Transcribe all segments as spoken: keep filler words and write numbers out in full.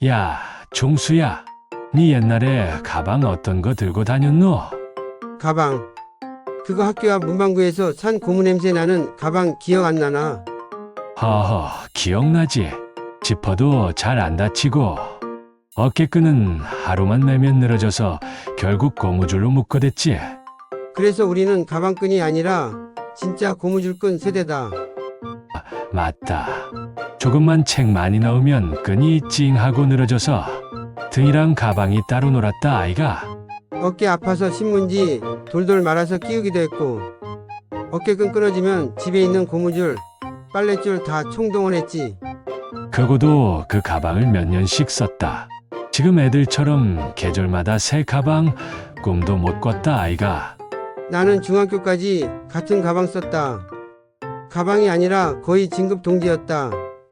야, 종수야. 네 옛날에 가방 어떤 거 들고 다녔노? 가방. 그거 학교 앞 문방구에서 산 고무 냄새 나는 가방 기억 안 나나? 허허, 기억나지? 지퍼도 잘 안 다치고 어깨끈은 하루만 매면 늘어져서 결국 고무줄로 묶어댔지. 그래서 우리는 가방끈이 아니라 진짜 고무줄끈 세대다. 맞다. 조금만 책 많이 넣으면 끈이 찡하고 늘어져서 등이랑 가방이 따로 놀았다 아이가. 어깨 아파서 신문지 돌돌 말아서 끼우기도 했고, 어깨끈 끊어지면 집에 있는 고무줄, 빨랫줄 다 총동원했지. 그거도 그 가방을 몇 년씩 썼다. 지금 애들처럼 계절마다 새 가방 꿈도 못 꿨다 아이가. 나는 중학교까지 같은 가방 썼다. 가방이 아니라 거의 진급 동기였다.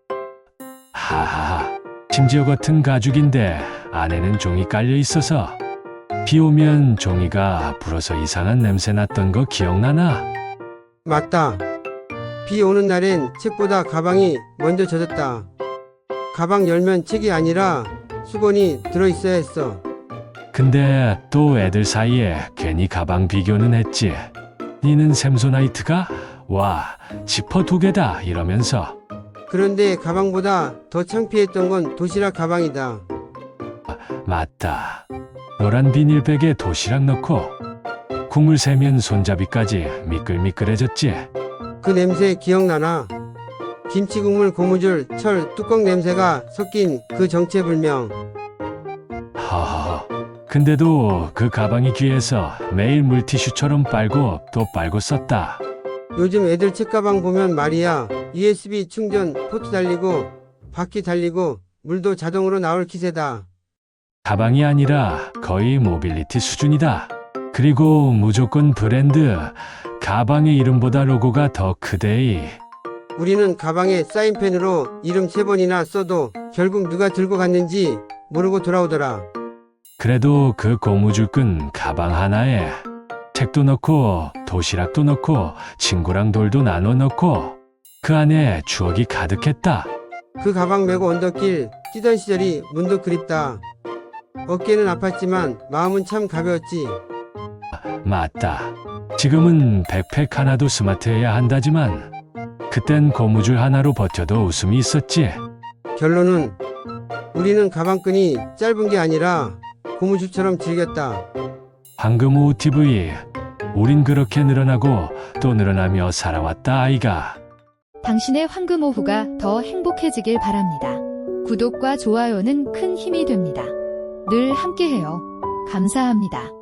하하하. 심지어 같은 가죽인데 안에는 종이 깔려 있어서 비 오면 종이가 불어서 이상한 냄새 났던 거 기억나나? 맞다. 비 오는 날엔 책보다 가방이 먼저 젖었다. 가방 열면 책이 아니라 수건이 들어있어야 했어. 근데 또 애들 사이에 괜히 가방 비교는 했지. 니는 샘소나이트가? 와, 지퍼 두 개다 이러면서. 그런데 가방보다 더 창피했던 건 도시락 가방이다. 맞다. 노란 비닐백에 도시락 넣고 국물 새면 손잡이까지 미끌미끌해졌지. 그 냄새 기억나나? 김치국물 고무줄 철 뚜껑 냄새가 섞인 그 정체불명. 허허. 근데도 그 가방이 귀해서 매일 물티슈처럼 빨고 또 빨고 썼다. 요즘 애들 책가방 보면 말이야, 유에스비 충전 포트 달리고 바퀴 달리고 물도 자동으로 나올 기세다. 가방이 아니라 거의 모빌리티 수준이다. 그리고 무조건 브랜드. 가방의 이름보다 로고가 더 크대이. 우리는 가방에 사인펜으로 이름 세 번이나 써도 결국 누가 들고 갔는지 모르고 돌아오더라. 그래도 그 고무줄끈 가방 하나에 책도 넣고 도시락도 넣고 친구랑 돌도 나눠 넣고 그 안에 추억이 가득했다. 그 가방 메고 언덕길 뛰던 시절이 문득 그립다. 어깨는 아팠지만 마음은 참 가벼웠지. 맞다. 지금은 백팩 하나도 스마트해야 한다지만 그땐 고무줄 하나로 버텨도 웃음이 있었지. 결론은 우리는 가방끈이 짧은 게 아니라 고무줄처럼 즐겼다. 황금우 티브이. 우린 그렇게 늘어나고 또 늘어나며 살아왔다 아이가. 당신의 황금 오후가 더 행복해지길 바랍니다. 구독과 좋아요는 큰 힘이 됩니다. 늘 함께해요. 감사합니다.